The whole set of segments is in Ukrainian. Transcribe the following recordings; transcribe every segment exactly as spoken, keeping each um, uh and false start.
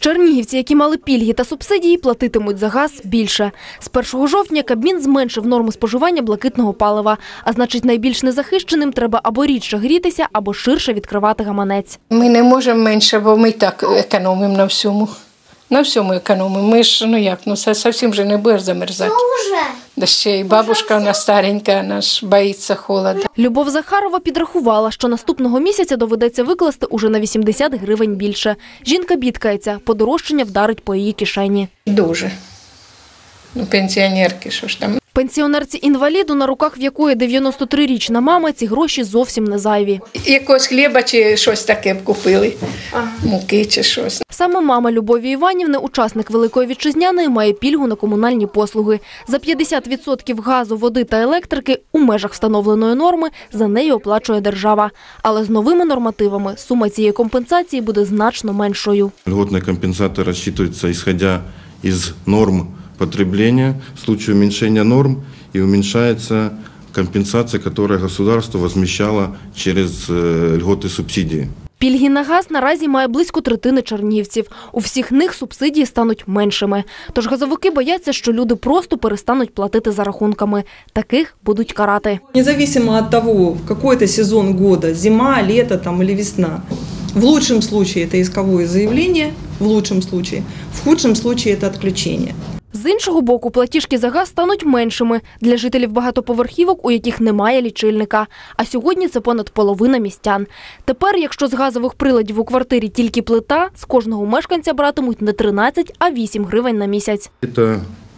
Чернігівці, які мали пільги та субсидії, платитимуть за газ більше. З першого жовтня Кабмін зменшив норму споживання блакитного палива. А значить, найбільш незахищеним треба або рідше грітися, або ширше відкривати гаманець. Ми не можемо менше, бо ми так економимо на всьому. На всьому економимо. Ми ж, ну як, ну зовсім вже не будеш замерзати. Да ще й бабушка у нас старенька, вона ж боїться холоду. Любов Захарова підрахувала, що наступного місяця доведеться викласти уже на вісімдесят гривень більше. Жінка бідкається, подорожчання вдарить по її кишені. Дуже. Ну, пенсіонерки, що ж там. Пенсіонерці-інваліду, на руках в якої дев'яностотрирічна мама, ці гроші зовсім не зайві. Якогось хліба чи щось таке б купили, ага. Муки чи щось. Саме мама Любові Іванівни, учасник Великої Вітчизняної, має пільгу на комунальні послуги. За п'ятдесят відсотків газу, води та електрики у межах встановленої норми за неї оплачує держава. Але з новими нормативами сума цієї компенсації буде значно меншою. Льготні компенсації розраховуються, исходя із норм потребления, в случае уменьшения норм и уменьшается компенсация, которую государство возмещало через льготы субсидии. Пільги на газ наразі має близько третини чернігівців. У всіх них субсидії стануть меншими. Тож газовики бояться, що люди просто перестануть платити за рахунками. Таких будуть карати. Независимо від того, в який сезон года, зима, літо там, або весна. В лучшем случае это исковое заявление, в лучшем случае, в худшем случае это отключение. З іншого боку, платіжки за газ стануть меншими для жителів багатоповерхівок, у яких немає лічильника. А сьогодні це понад половина містян. Тепер, якщо з газових приладів у квартирі тільки плита, з кожного мешканця братимуть не тринадцять, а вісім гривень на місяць. Це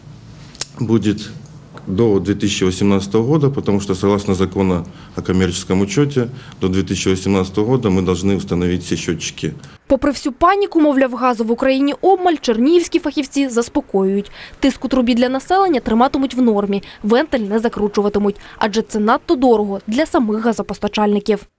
буде до две тысячи восемнадцатого года, потому что согласно закону о коммерческом учете, до две тысячи восемнадцатого года мы должны установить все счетчики. Попри всю паніку, мовляв, газу в Україні обмаль, чернігівські фахівці заспокоюють. Тиск у трубі для населення триматимуть в нормі, вентиль не закручуватимуть, адже це надто дорого для самих газопостачальників.